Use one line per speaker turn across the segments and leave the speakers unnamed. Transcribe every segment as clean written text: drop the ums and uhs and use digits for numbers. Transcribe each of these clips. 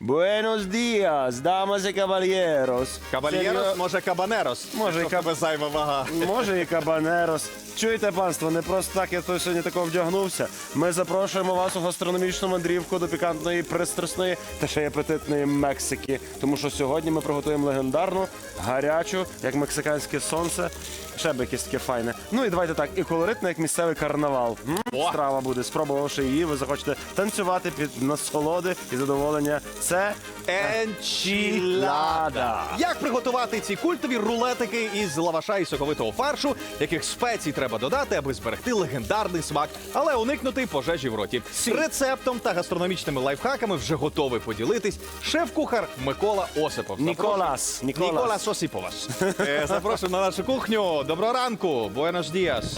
Buenos días, damas y caballeros.
Кабальєрос, може кабанерос?
Може,
Якщо в тебе зайва вага.
Може і кабанерос. Чуєте, панство, не просто так я тут сьогодні тако вдягнувся. Ми запрошуємо вас у гастрономічну мандрівку до пікантної, пристрасної та ще й апетитної Мексики. Тому що сьогодні ми приготуємо легендарну, гарячу, як мексиканське сонце. Ще б якесь таке файне. Ну і давайте так, і колоритно, як місцевий карнавал. Страва буде. Спробувавши її, ви захочете танцювати під насолоди і задоволення. Це
Енчілада. Як приготувати ці культові рулетики із лаваша і соковитого фаршу, яких спецій треба додати, аби зберегти легендарний смак, але уникнути пожежі в роті. Рецептом та гастрономічними лайфхаками вже готовий поділитись шеф-кухар Микола Осипов. Ніколас Осиповас. Запрошуємо на нашу кухню. Доброго ранку. Буенос діас.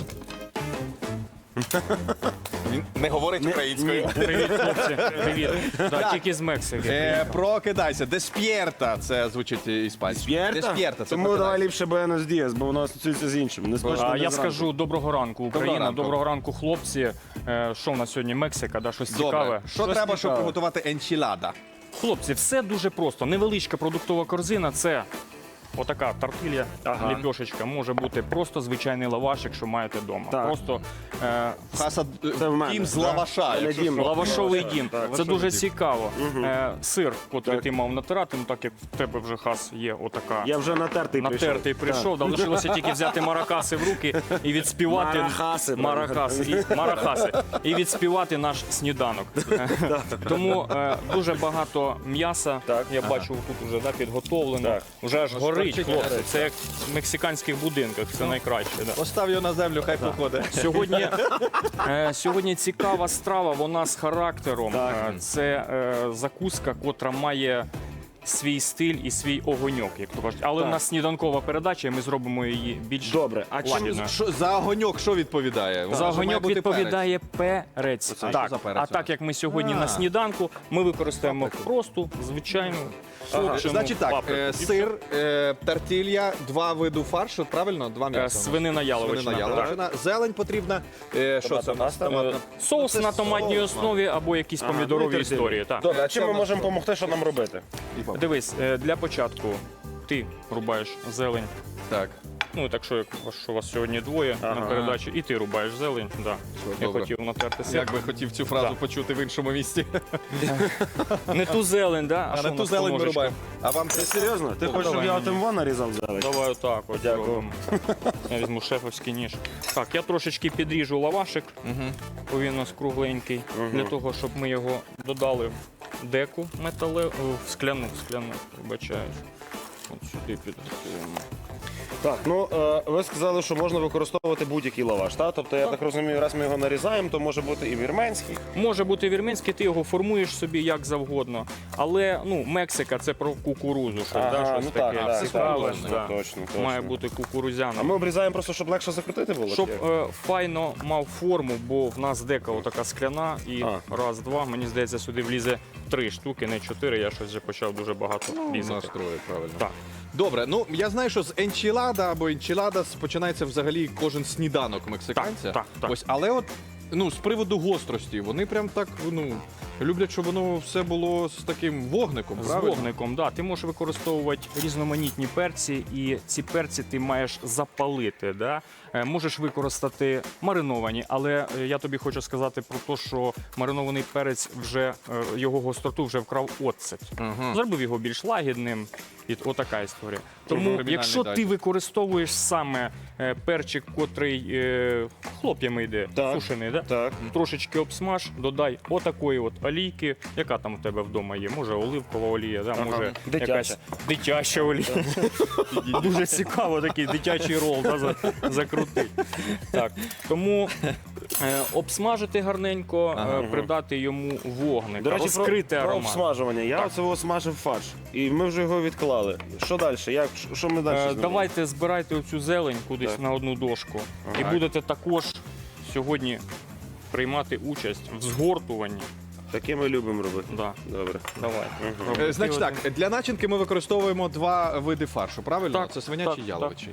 Він не говорить українською.
Привіт, хлопці. Привіт. Да, тільки з Мексики.
Прокидайся. Десп'єрта. Це звучить іспанською. Десп'єрта. Це
Тому
прокидайся.
давай ліпше Buenos Dias, бо воно асоціюється з іншим. Не смачно, не
Я
зранку.
скажу доброго ранку, Україна.
ранку.
Доброго ранку, хлопці. Що в нас сьогодні Мексика, да, щось цікаве.
Добре. Що
Щось
треба, щоб
цікаве.
приготувати енчілада?
Хлопці, все дуже просто. Невеличка продуктова корзина – це отака тортилья, ліпьошечка. Може бути просто звичайний лаваш, якщо маєте вдома.
Так.
Просто
Хаса
Це в мене,
дім з
так?
лаваша.
Не
якщо
дім.
що.
лавашовий дім. Це
лавашовий
дуже
дім.
цікаво. Сир, котрий ти мав натирати, ну так як в тебе вже хас є отака.
Я вже натертий прийшов.
Натертий прийшов, да, лишилося тільки взяти маракаси в руки і відспівати марахаси, і відспівати наш сніданок. Тому дуже багато м'яса,
Так.
я бачу, тут вже підготовлено.
Так.
Вже аж горить,
торчить
хлопці.
горить.
Це як в мексиканських будинках, це найкраще. Да.
Постав його на землю, хай походить.
Сьогодні цікава страва, вона з характером. Це закуска, котра має свій стиль і свій огоньок, як то кажуть. Але в нас сніданкова передача, і ми зробимо її більш
Добре, а чим
лагідною.
За огоньок що відповідає?
За огоньок відповідає перець.
Оце що
Так.
за перець?
А так як ми сьогодні на сніданку, ми використаємо просту, звичайну, сушену
Значить так,
паприку.
сир, тортилья, два види фаршу, правильно? Два м'яса.
Свинина яловична.
Свинина яловичина. Зелень потрібна. Що це? у нас?
Соус
Це
на томатній
соус,
основі або якісь помідорові історії. Так.
Добре, а чим
Це
ми
в нас
можемо
що?
допомогти, що нам робити?
Дивись, для початку ти рубаєш зелень.
Так.
Ну, так що, якщо вас сьогодні двоє на передачі, і ти рубаєш зелень. Да. Я
добре.
хотів натерти сир.
Як би хотів цю фразу почути в іншому місці.
Не ту зелень, да?
А
що
на
в
ту
нас
зелень ми
по
рубаємо. А вам
Ти серйозно? Ти хочеш, щоб
давай
я
мені.
отим нарізав зелень?
Давай отак от
Дякую.
зробимо. Я візьму шефовський ніж. Так, я трошечки підріжу лавашик, бо він у нас кругленький, для того, щоб ми його додали в деку скляну, вибачаюсь. От сюди підготуємо.
Так, ну ви сказали, що можна використовувати будь-який лаваш, так? Тобто, я так розумію, раз ми його нарізаємо, то може бути і вірменський.
Може бути вірменський, ти його формуєш собі як завгодно. Але ну, Мексика це про кукурузу, щось, щось
ну
таке
так,
цікаве.
точно,
да.
точно.
Має бути кукурузяна.
А ми обрізаємо просто, щоб легше закрутити було?
Щоб
чи?
файно мав форму, бо в нас дека отака скляна, і раз, два, мені здається, сюди влізе 3 штуки, не 4, я щось вже почав дуже багато різати.
Настрої, правильно.
Так.
Добре, ну я знаю, що з енчілада або енчіладас починається взагалі кожен сніданок мексиканця.
Так.
Ось, але от ну, з приводу гострості, вони прям так люблять, щоб воно все було з таким вогником,
З
правильно?
вогником, да. Ти можеш використовувати різноманітні перці, і ці перці ти маєш запалити. Да? Можеш використати мариновані, але я тобі хочу сказати про те, що маринований перець вже його гостроту вже вкрав оцет. Зробив його більш лагідним. І отака історія. Тому,
кримінальний
якщо
дай.
ти використовуєш саме перчик, котрий хлоп'ями йде, сушений, да?
Так.
Трошечки обсмаж, додай отакої от олійки, яка там у тебе вдома є. Може оливкова олія, да? Може
Дитяча.
якась дитяча олія. Дуже цікаво такий дитячий рол закрутити. Так. Тому обсмажити гарненько, придати йому вогник,
До речі,
розкрити
про
аромат.
обсмажування. Я оце смажив фарш. І ми вже його відклали. Що далі? Що ми далі зробимо?
Давайте збирайте оцю зелень кудись
Так.
на одну дошку. І будете також сьогодні приймати участь в згортуванні.
Таке ми любимо робити.
Да.
Добре.
Давай.
Значить так, для начинки ми використовуємо два види фаршу, правильно?
Так,
Це свинячий
так,
і яловичий.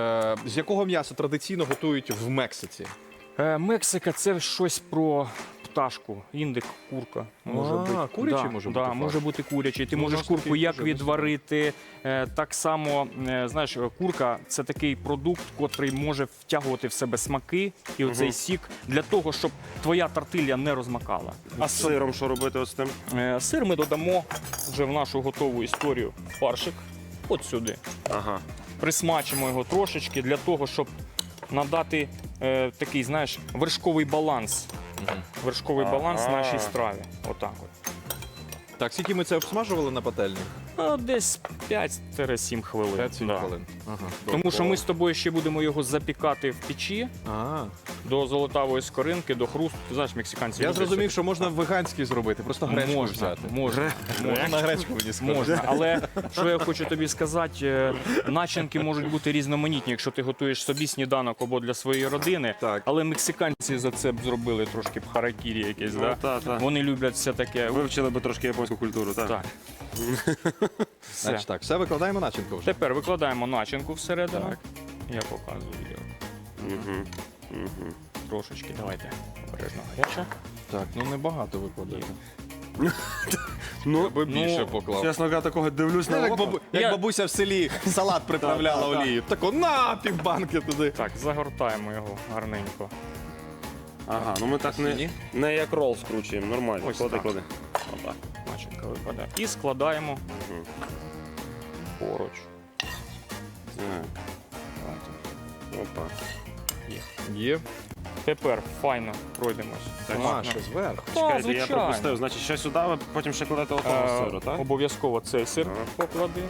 З якого м'яса традиційно готують в Мексиці?
Мексика це щось про пташку, індик, курка. Може бути.
курячий
Да,
може
да,
бути
може
фарш.
бути курячий. Ти
Ну, у
можеш
нас
курку
такий
як
дуже
відварити. Так само, знаєш, курка це такий продукт, котрий може втягувати в себе смаки і оцей сік для того, щоб твоя тортилья не розмакала.
А з сиром що робити з тим?
Сир ми додамо вже в нашу готову історію фаршик. От сюди.
Ага.
Присмачимо його трошечки для того, щоб надати такий, знаєш, вершковий баланс. Вершковий баланс
Ага.
нашій страві. Отак от.
Так, скільки ми це обсмажували на пательні?
Десь 5-7 хвилин.
5-7
Да.
хвилин. Ага.
Тому що ми з тобою ще будемо його запікати в печі до золотавої скоринки, до хрусту. Ти знаєш, мексиканці
Я
люблять
зрозумів,
це.
що можна веганський зробити, просто гречку
Можна,
взяти.
можна.
На гречку мені скажуть.
Можна, але що я хочу тобі сказати, начинки можуть бути різноманітні, якщо ти готуєш собі сніданок або для своєї родини.
Так.
Але мексиканці за це б зробили трошки б харакірі якесь.
Ну,
Да?
та.
Вони люблять все таке.
Вивчили би трошки японську культуру, так?
Так. Все.
Значить так, все викладаємо начинку вже.
Тепер викладаємо начинку всередину.
Так.
Я показую. як.
Угу.
Трошечки, давайте. Обережно гаряче.
Так, ну небагато викладаємо.
Ну,
Я би більше поклав.
чесно кажучи, такого дивлюсь на
Як,
око.
Я-
бабуся в селі салат приправляла
Так, так,
олією. Тако на півбанки туди.
Так, загортаємо його гарненько.
Ага, ну ми так
Ні?
не як рол скручуємо, нормально.
Ось
Клади,
так.
клади. Опа.
Начинка випадає. І складаємо
Мгм.
поруч.
Так.
Давайте.
Опа.
Є.
Тепер файно пройдемось.
А,
Томатно.
ще зверху.
Чекайте, я
звичайно.
пропустив. Значить, ще сюди, ви потім ще кладете отого сиру, так?
Обов'язково цей сир
Ага.
поклади.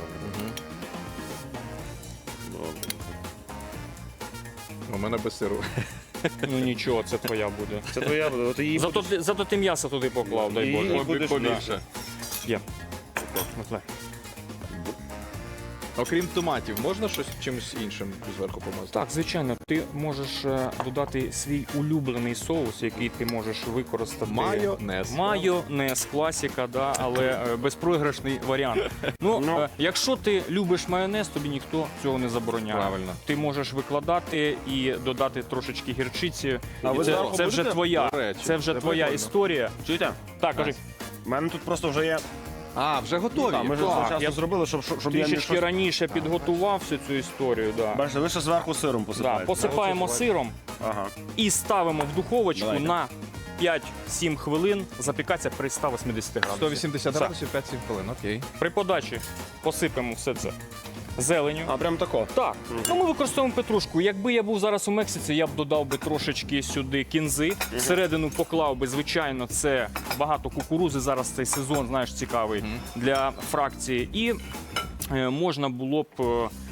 Добре.
У мене без сиру.
Ну нічого, це твоя буде.
Це твоя буде, от її
Зато ти м'ясо туди поклав, дай
І-
Боже.
і будеш-
Побільше.
Є. Отле.
Окрім томатів, можна щось чимось іншим зверху помазати?
Так, звичайно, ти можеш додати свій улюблений соус, який ти можеш використати.
Майонез.
Майонез, класика, да, але безпроіграшний варіант. Ну,
Ну.
якщо ти любиш майонез, тобі ніхто цього не забороняє.
Правильно.
Ти можеш викладати і додати трошечки гірчиці.
А
І
ви
це,
зверху
це вже
будете?
твоя,
До речі,
це вже
це
твоя
прикольно.
історія.
Чуєте?
Так, кажи.
У мене тут просто вже є.
А, вже готові.
Так, ми ж
Так,
завчасно
я
зробили, щоб я не
Трішечки
щось...
раніше підготував всю цю історію. Да.
Бачите, ви ще зверху сиром
Да,
посипаєте.
посипаємо
Оце
сиром
Ага.
і ставимо в духовочку
Давайте.
на 5-7 хвилин, запікатися при 180 градусів.
180
Все.
градусів, 5-7 хвилин, окей.
При подачі посипемо все це зеленю.
А, прям тако.
Так, ну ми використовуємо петрушку. Якби я був зараз у Мексиці, я б додав би трошечки сюди кінзи. Всередину поклав би, звичайно, це багато кукурузи. Зараз цей сезон, знаєш, цікавий для фракції. І можна було б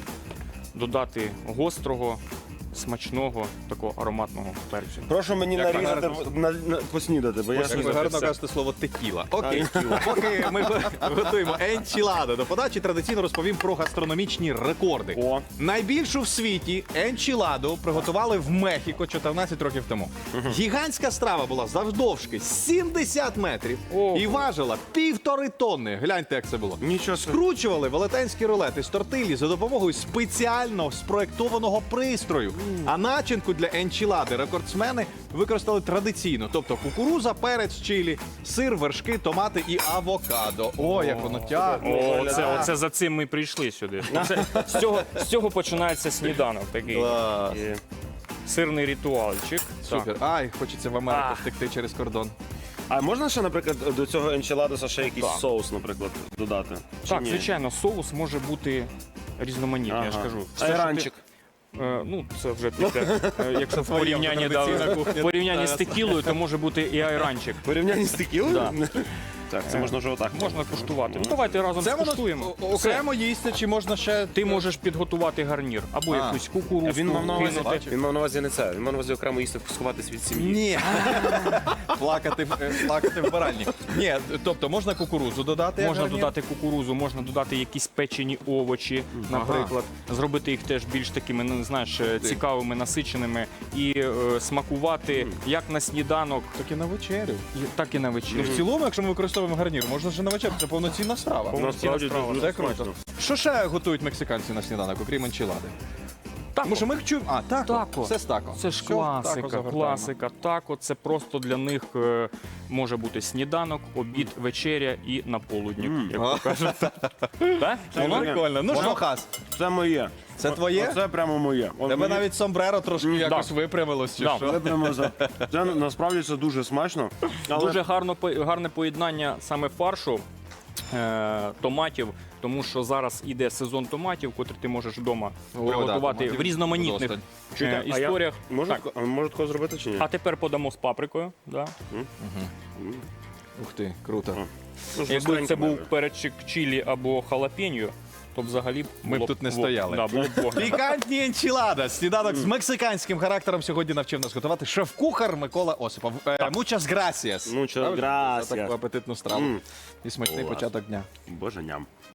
додати гострого, смачного, такого ароматного перцю.
Прошу мені
Як
нарізати,
гарно.
поснідати, бо я
Як ви
щось...
гарно кажете слово текіла. Окей, поки ми готуємо енчіладо до подачі, традиційно розповім про гастрономічні рекорди.
О.
Найбільшу в світі енчіладу приготували в Мехіко 14 років тому. Гігантська страва була завдовжки 70 метрів
Ого.
і важила 1,5 тонни. Гляньте, як це було.
Нічого собі.
Скручували велетенські рулети з тортилі за допомогою спеціально спроєктованого пристрою. А начинку для енчілади рекордсмени використали традиційно, тобто кукуруза, перець, чилі, сир, вершки, томати і авокадо. О, як воно тягне.
Оце за цим ми прийшли сюди. З цього починається сніданок такий.
Клас.
І-
Сирний ритуальчик.
Супер. Ай, хочеться в Америку
Ах.
втекти через кордон.
А можна ще, наприклад, до цього енчіладоса ще якийсь
Так.
соус, наприклад, додати? Чи
Так,
ні?
звичайно, соус може бути різноманітний, я ж
Ага.
кажу.
Айранчик.
Ну, це вже після, якщо в
твоя
порівнянні,
традиційна кухня.
в порівнянні з текілою, то може бути і айранчик.
В порівнянні з текілою?
Да.
Так, це можна вже отак.
Можна куштувати. Ну, давайте разом
Це воно
скуштуємо.
окремо їсти, чи можна ще...
Ти можеш підготувати гарнір або
А.
якусь кукурудзу.
Він мав на увазі,
кинути.
він мав на увазі не це. Він мав на увазі окремо їсти, сховатись від сім'ї.
Ні. плакати в баральні. Ні, тобто можна кукурудзу додати? як
Можна
гарнір?
додати кукурузу, можна додати якісь печені овочі, наприклад, зробити їх теж більш такими, ну, знаєш, цікавими, насиченими і смакувати як на сніданок,
Так і на вечерю.
так і на
Ну,
вечерю.
в цілому, якщо ми використовуємо гарнір, можна вже на вечерю. Це повноцінна страва.
Насправді
страва.
дуже
Це круто.
смачно.
Що ще готують мексиканці на сніданок, окрім енчілади? Тому що ми чуємо. А, тако.
Тако.
Все з тако.
Це ж
Все, тако
класика,
загортаємо.
класика. Тако це просто для них може бути сніданок, обід, вечеря і наполудник, як то кажуть. Так?
Це
Воно?
Прикольно. Ну що, Хас,
Це моє.
це твоє?
Це прямо моє. От
Тебе
мені-
навіть сомбреро трошки якось випрямилось, чи
Да.
що?
Це прямо це насправді це дуже смачно. Але
Дуже гарне поєднання саме фаршу, томатів, тому що зараз іде сезон томатів, котрі ти можеш вдома приготувати
томатів
в різноманітних
вдосталь.
Чуєте, а я-
історіях.
Можу
Так.
можу такого зробити чи ні?
А тепер подамо з паприкою. Да?
Ух ти, круто.
Ну,
Якби
жорсткенько
це був
має.
перчик чилі або халапеньо, то взагалі
Ми б
було
тут не
во-
стояли.
Да, було б вогнено.
Пікантні енчілада. Сніданок з мексиканським характером сьогодні навчив нас готувати шеф-кухар Микола Осипов. Muchas gracias.
Muchas
Правильно?
gracias.
За таку апетитну страву.
М.
І смачний
Клас.
початок дня.
Боже ням.